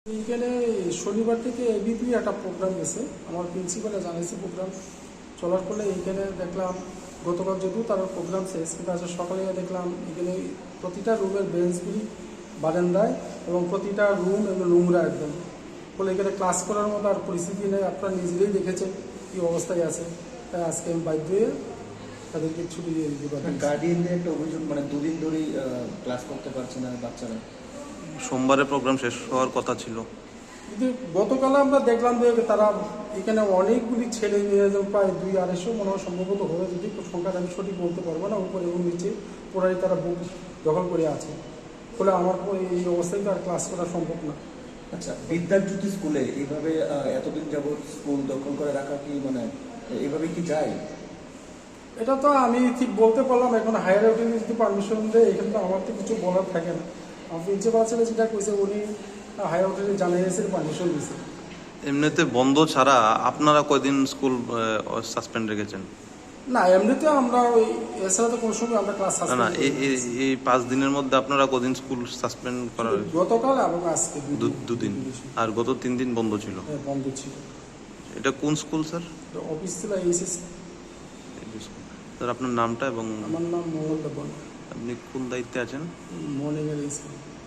এইখানে শনিবার থেকে এবিপি একটা প্রোগ্রাম গেছে, আমার প্রিন্সিপালে জানিয়েছে প্রোগ্রাম চলার ফলে এইখানে দেখলাম গতকাল যদিও তার প্রোগ্রাম শেষ, কিন্তু আজকে সকালে দেখলাম এখানে প্রতিটা রুমের বেঞ্চগুলি বারান্দায় এবং প্রতিটা রুম এবং নোংরা একদম। ফলে এখানে ক্লাস করার মতো আর পরিস্থিতি নেই, আপনারা নিজেরাই দেখেছেন কী অবস্থায় আছে। তাই আজকে আমি বাধ্য হয়ে তাদেরকে ছুটি দিয়ে দিতে পারি। গার্ডিয়ানদের একটা অভিযোগ, মানে দুদিন ধরেই ক্লাস করতে পারছে না বাচ্চারা। সোমবারে প্রোগ্রাম শেষ হওয়ার কথা ছিল, কিন্তু গতকাল আমরা দেখলাম যে তারা এখানে অনেকগুলি ছেলে মেয়ে, প্রায় 200-250 মনে হয় সম্ভবত হবে, যদি সংখ্যাটা আমি সঠিক বলতে পারবো না, উপরে এবং নিচে পুরাই তারা বুক দখল করে আছে। ফলে আমার এই অবস্থায় তো আর ক্লাস করা সম্ভব না। আচ্ছা, বিদ্যাজ্যোতি স্কুলে এইভাবে এতদিন যাবৎ স্কুল দখল করে রাখা কি মানে এইভাবে কি যায়? এটা তো আমি ঠিক বলতে পারলাম, এখন হায়ার অথরিটি যদি পারমিশন দেয় এখানে তো আমার তো কিছু বলার থাকে না। আমার প্রিন্সিপাল ছেলে যেটা কইছে উনি হায়ার অথরিটি জানিয়েছে, পারমিশন দিয়েছে। এমনিতে বন্ধ ছাড়া আপনারা কয়দিন স্কুল সাসপেন্ড রেখেছেন? না, এমনিতে আমরা ওই এছাড়া তো কোনো সময় আমরা ক্লাস না না, সাসপেন্ড এই 5 দিনের মধ্যে আপনারা কদিন স্কুল সাসপেন্ড করা হয়েছে? গতকাল এবং আজকে দুদিন, আর গত 3 দিন বন্ধ ছিল। হ্যাঁ, বন্ধ ছিল। এটা কোন স্কুল স্যার? অফিস ছিল এইচএস। স্যার আপনার নামটা এবং আমার নাম মোহাম্মদ দেবন, আপনি কোন দায়িত্বে আছেন? মর্নিংয়ের স্কুল।